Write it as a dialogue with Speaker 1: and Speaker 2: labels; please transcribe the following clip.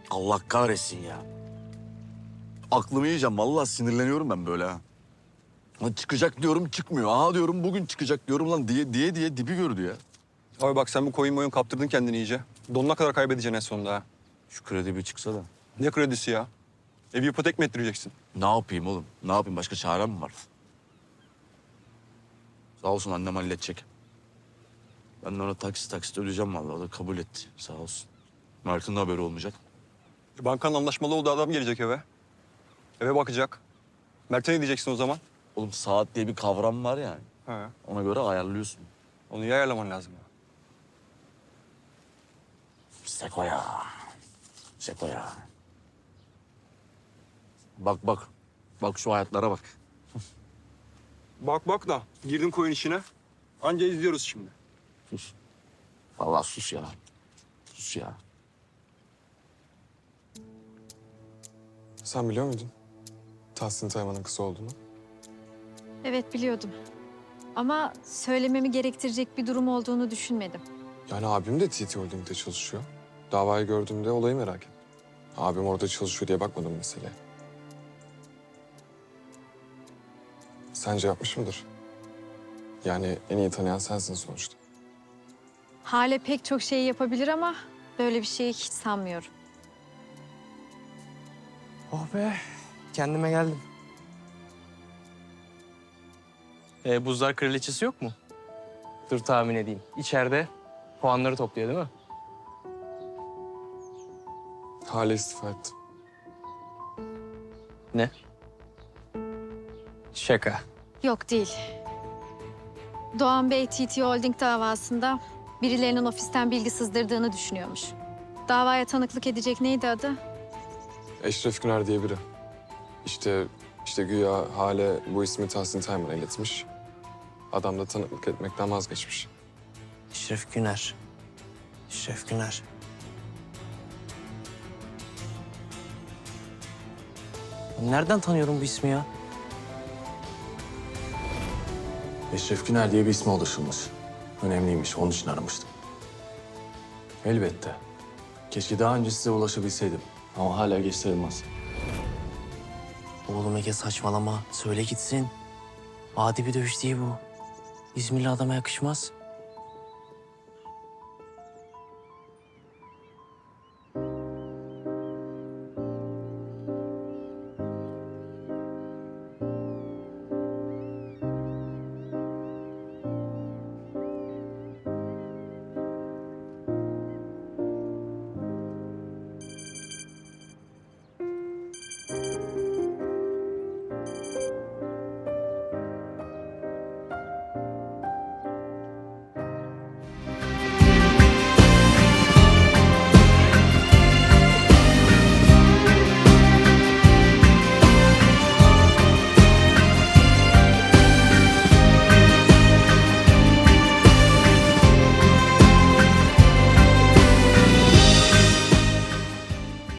Speaker 1: Allah kahretsin ya. Aklımı yiyeceğim. Vallahi sinirleniyorum ben böyle ha. Lan çıkacak diyorum çıkmıyor. Aha diyorum bugün çıkacak diyorum lan diye dibi gördü ya.
Speaker 2: Abi bak sen bu koyun kaptırdın kendini iyice. Donuna kadar kaybedeceksin en sonunda ha.
Speaker 1: Şu kredi bir çıksa da.
Speaker 2: Ne kredisi ya? Evi ipotek mi ettireceksin?
Speaker 1: Ne yapayım oğlum? Ne yapayım? Başka çarem mi var? Sağ olsun annem halledecek. Ben de ona taksit ödeyeceğim vallahi. O da kabul etti. Sağ olsun. Mert'in de haberi olmayacak.
Speaker 2: Bankanın anlaşmalı olduğu adam gelecek eve. Eve bakacak. Mert'e ne diyeceksin o zaman?
Speaker 1: Oğlum saat diye bir kavram var yani.
Speaker 2: He.
Speaker 1: Ona göre ayarlıyorsun.
Speaker 2: Onu iyi ayarlaman lazım ya.
Speaker 1: Seko ya. Seko ya. Bak bak. Bak şu hayatlara bak.
Speaker 2: Bak da girdin koyun işine. Anca izliyoruz şimdi.
Speaker 1: Sus. Vallahi sus ya. Sus ya.
Speaker 3: Sen biliyor muydun Tahsin Tayman'ın kızı olduğunu?
Speaker 4: Evet biliyordum. Ama söylememi gerektirecek bir durum olduğunu düşünmedim.
Speaker 3: Yani abim de TT Holding'de çalışıyor. Davayı gördüğümde olayı merak ettim. Abim orada çalışıyor diye bakmadım meseleye. Sence yapmış mıdır? Yani en iyi tanıyan sensin sonuçta.
Speaker 4: Hale pek çok şey yapabilir ama böyle bir şeyi hiç sanmıyorum.
Speaker 5: Oh be, kendime geldim. Buzlar Kraliçesi yok mu? Dur tahmin edeyim. İçeride puanları topluyor değil mi?
Speaker 3: Hale istifa etti.
Speaker 5: Ne? Şaka.
Speaker 4: Yok değil. Doğan Bey TT Holding davasında birilerinin ofisten bilgi sızdırdığını düşünüyormuş. Davaya tanıklık edecek neydi adı?
Speaker 3: Eşref Güner diye biri. İşte güya Hale bu ismi Tahsin Tayman'a iletmiş. Adam da tanıklık etmekten vazgeçmiş.
Speaker 5: Eşref Güner. Eşref Güner. Nereden tanıyorum bu ismi ya?
Speaker 6: Eşref Güner diye bir isme ulaşılmış. Önemliymiş, onun için aramıştım. Elbette. Keşke daha önce size ulaşabilseydim. Ama hala geç sayılmaz.
Speaker 5: Oğlum Ege saçmalama. Söyle gitsin. Adi bir dövüş değil bu. İzmirli adama yakışmaz.